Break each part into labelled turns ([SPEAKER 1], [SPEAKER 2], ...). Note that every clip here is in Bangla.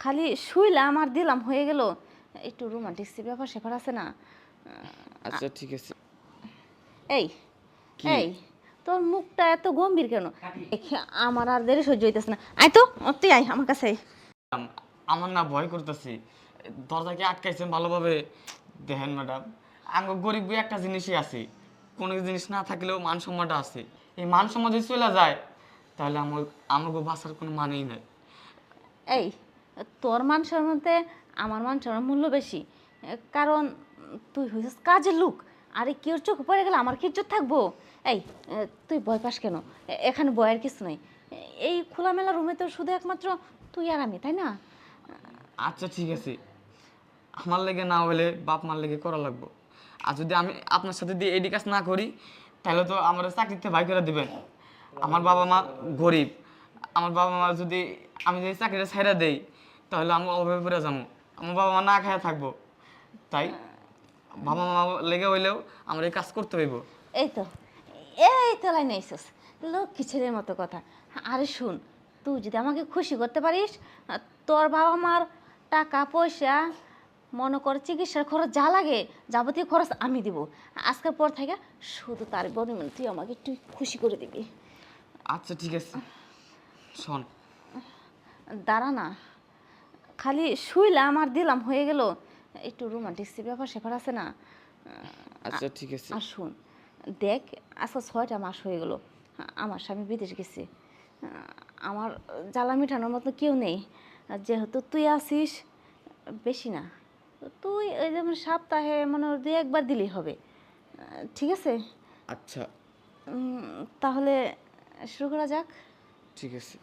[SPEAKER 1] খালি শুইলাম আর দিলাম হয়ে গেল। একটু রোমান্টিক ব্যাপার স্যাপার আছে না?
[SPEAKER 2] আচ্ছা ঠিক আছে।
[SPEAKER 1] এই
[SPEAKER 2] কি?
[SPEAKER 1] এই তোর মুখটা এত গম্ভীর কেন? আমার আর দেরি সহ্য হইতেছে না। আয় তো, তুই আয় আমার কাছে আয়।
[SPEAKER 2] আমার না ভয় করতেছি। দরজাকে আটকাইছেন ভালোভাবে। দেখেন ম্যাডাম, আমার গরিব একটা জিনিসই আছে, কোনো জিনিস না থাকলেও মান সম্মানটা আছে। এই মান সম্মান যদি চলে যায় তাহলে আমাকে বাঁচার কোনো মানেই নাই।
[SPEAKER 1] এই তোর মান সম্মানতে আমার মান সম্মান মূল্য বেশি। কারণ তুই হইছিস কাজের লোক। আরে কেউ চোখ পড়ে গেলে আমার কি ইজ্জত থাকবো? এই তুই ভয় পাস কেন? এখানে ভয়ের কিছু নাই। এই খোলামেলা রুমে তো শুধু একমাত্র তুই আর আমি, তাই না?
[SPEAKER 2] আচ্ছা ঠিক আছে, আমার লেগে না হলে বাপ মার লেগে করা লাগবো। আর যদি আমি আপনার সাথে দিয়ে এডি কাজ না করি তাহলে তো আমার চাকরিতে ভাই করে দিবেন। আমার বাবা মা গরিব। আমার বাবা মা যদি আমি যদি চাকরিটা ছেড়ে দেই তাহলে আমি অভাবে পড়ে যাবো। আমার বাবা মা না খায়া থাকবো। তাই বাবা মা লেগে হইলেও আমার এই কাজ করতে হইব।
[SPEAKER 1] এই তো লাইনে আইসস, লক্ষ্মী ছেলের মতো কথা। আরে শুন, তুই যদি আমাকে খুশি করতে পারিস, তোর বাবা মার টাকা পয়সা, মনে কর চিকিৎসার খরচ যা লাগে যাবতীয় খরচ আমি দিব। আজকের পর থেকে শুধু তার বনিমন তুই আমাকে একটু খুশি করে দিবি।
[SPEAKER 2] আচ্ছা ঠিক আছে, শোন।
[SPEAKER 1] দাঁড়া না, খালি শুইলাম আর দিলাম হয়ে গেল। একটু রোমান্টিক ব্যাপার স্যাপার আছে না?
[SPEAKER 2] আচ্ছা ঠিক আছে।
[SPEAKER 1] আর শুন, দেখ আজকে 6টা মাস হয়ে গেল আমার স্বামী বিদেশ গেছে। আমার জ্বালা মেটানোর মতো কেউ নেই। যেহেতু তুই আসিস, বেশি না, তুই ওই যেমন সপ্তাহে মনে হয় 2-1 বার দিলেই হবে। ঠিক আছে?
[SPEAKER 2] আচ্ছা
[SPEAKER 1] তাহলে শুরু করা যাক।
[SPEAKER 2] ঠিক আছে।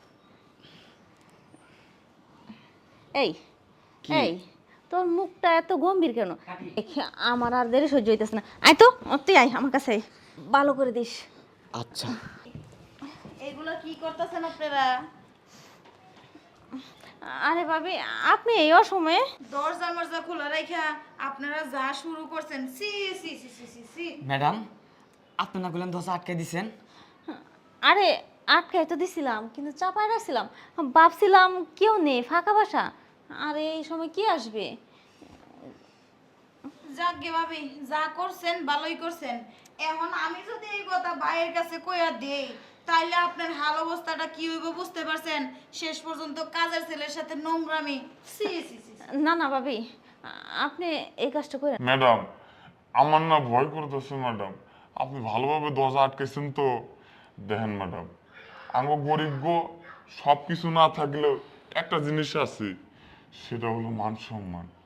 [SPEAKER 1] এই
[SPEAKER 2] কি?
[SPEAKER 1] এই তোর মুখটা এত গম্ভীর কেন? আমার আর দেরি সহ্য হইতেছে না। আয় তো, তুই আয় আমার কাছে আয়। ভালো করে দিস।
[SPEAKER 2] আচ্ছা
[SPEAKER 1] এগুলো কি করতেছেন আপনারা? আরে ভাবি, আপনি এই অসময়ে?
[SPEAKER 3] দরজা মরজা খোলা রাখা আপনারা যা শুরু করছেন, সি সি সি সি সি সি।
[SPEAKER 2] ম্যাডাম, আপনি না বললেন দরজা আটকে দিছেন?
[SPEAKER 1] আরে আটকাই তো দিছিলাম, কিন্তু চাপায় রাখছিলাম। ভাবছিলাম কেউ নেই, ফাঁকা বাসা। আরে এই সময় কি আসবে?
[SPEAKER 3] যাকগে ভাবি, যা করছেন ভালোই করছেন। এখন আমি যদি এই কথা ভাইয়ের কাছে কইয়া দেই তাইলে আপনার হাল অবস্থাটা কি হইব বুঝতে পারছেন? শেষ পর্যন্ত কাজের ছেলের সাথে নোংরামি। সি সি সি সি।
[SPEAKER 1] না না ভাবি, আপনি এই কাজটা করে।
[SPEAKER 4] ম্যাডাম, আমার না ভয় করতেছে ম্যাডাম। আপনি ভালোভাবে দরজা আটকেছেন তো? দেখেন ম্যাডাম, আঙ্গ গরিব গো, সব কিছু না থাকলেও একটা জিনিস আছে, সেটা হলো মান সম্মান।